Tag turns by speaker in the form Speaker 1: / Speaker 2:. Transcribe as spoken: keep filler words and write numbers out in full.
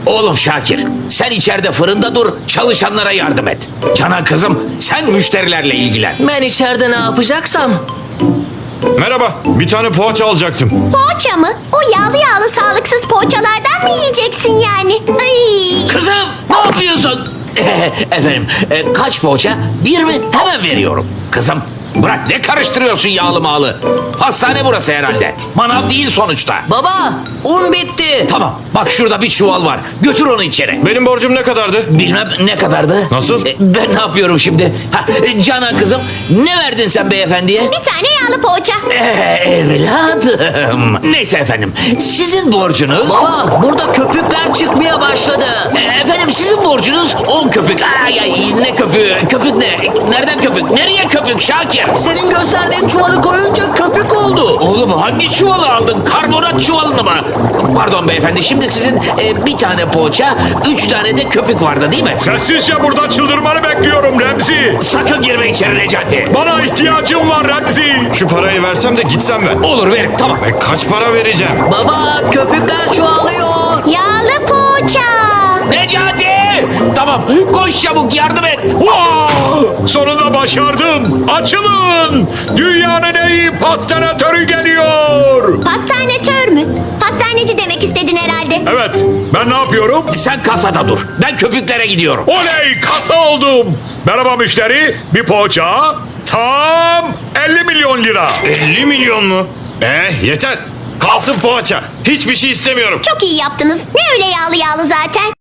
Speaker 1: Oğlum Şakir, sen içeride fırında dur, çalışanlara yardım et. Canan kızım, sen müşterilerle ilgilen.
Speaker 2: Ben içeride ne yapacaksam?
Speaker 3: Merhaba, bir tane poğaça alacaktım.
Speaker 4: Poğaça mı? O yağlı yağlı sağlıksız poğaçalardan mı yiyeceksin yani? Ay.
Speaker 1: Kızım, ne yapıyorsun? Efendim, e, kaç poğaça? Bir mi? Hemen veriyorum. Kızım, bırak ne karıştırıyorsun yağlı mağlı? Hastane burası herhalde. Manav değil sonuçta.
Speaker 2: Baba, un bitti.
Speaker 1: Tamam, bak şurada bir çuval var. Götür onu içeri.
Speaker 3: Benim borcum ne kadardı?
Speaker 1: Bilmem ne kadardı?
Speaker 3: Nasıl?
Speaker 1: E, ben ne yapıyorum şimdi? Ha, e, Canan kızım, ne verdin sen beyefendiye?
Speaker 4: Bir tane yağlı poğaça.
Speaker 1: Ee, evladım. Neyse efendim, sizin borcunuz...
Speaker 2: Baba, burada köpükler çıkmaya başladı.
Speaker 1: Ee, Efendim sizin borcunuz on köpük. Ay ay ne köpüğü? Köpük ne? Nereden köpük? Nereye köpük Şakir?
Speaker 2: Senin gösterdiğin çuvalı koyunca köpük oldu.
Speaker 1: Oğlum hangi çuvalı aldın? Karbonat çuvalını mı? Pardon beyefendi, şimdi sizin e, bir tane poğaça, üç tane de köpük vardı değil mi?
Speaker 3: Sessizce buradan çıldırmanı bekliyorum Remzi.
Speaker 1: Sakın girme içeri Necati.
Speaker 3: Bana ihtiyacım var Remzi. Şu parayı versem de gitsem ben.
Speaker 1: Olur verin, tamam.
Speaker 3: E, kaç para vereceğim?
Speaker 2: Baba, köpükler çoğalıyor.
Speaker 4: Yağlı poğaça.
Speaker 1: Necati! Tamam, koş çabuk yardım et.
Speaker 3: Wow! Sonunda başardım. Açılın. Dünyanın en iyi pastanatörü geliyor.
Speaker 4: Pastanetör mü? Pastaneci demek istedin herhalde.
Speaker 3: Evet, ben ne yapıyorum?
Speaker 1: Sen kasada dur. Ben köpüklere gidiyorum.
Speaker 3: Oley, kasa oldum. Merhaba müşteri, bir poğaça. Tam elli milyon lira. elli milyon mu? Eh, yeter. Kalsın poğaça. Hiçbir şey istemiyorum.
Speaker 4: Çok iyi yaptınız. Ne öyle yağlı yağlı zaten.